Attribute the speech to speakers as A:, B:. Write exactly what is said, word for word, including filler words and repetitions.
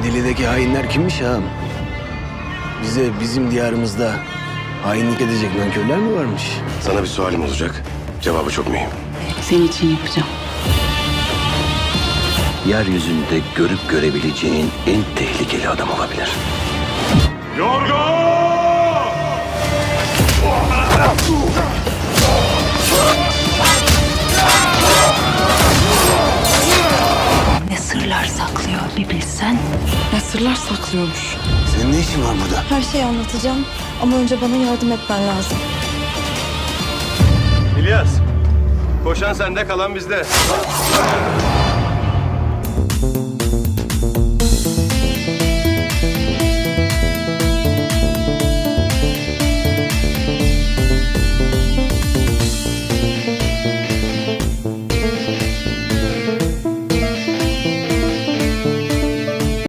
A: İdili'deki hainler kimmiş ağam? Bize bizim diyarımızda hainlik edecek nankörler mi varmış?
B: Sana bir sualim olacak. Cevabı çok mühim.
C: Senin için yapacağım.
D: Yeryüzünde görüp görebileceğin en tehlikeli adam olabilir.
C: Ne sırlar saklıyor bir bilsen.
E: Ne sırlar saklıyormuş.
A: Senin ne işin var burada?
E: Her şeyi anlatacağım ama önce bana yardım etmen lazım.
B: İlyas, koşan sende, kalan bizde.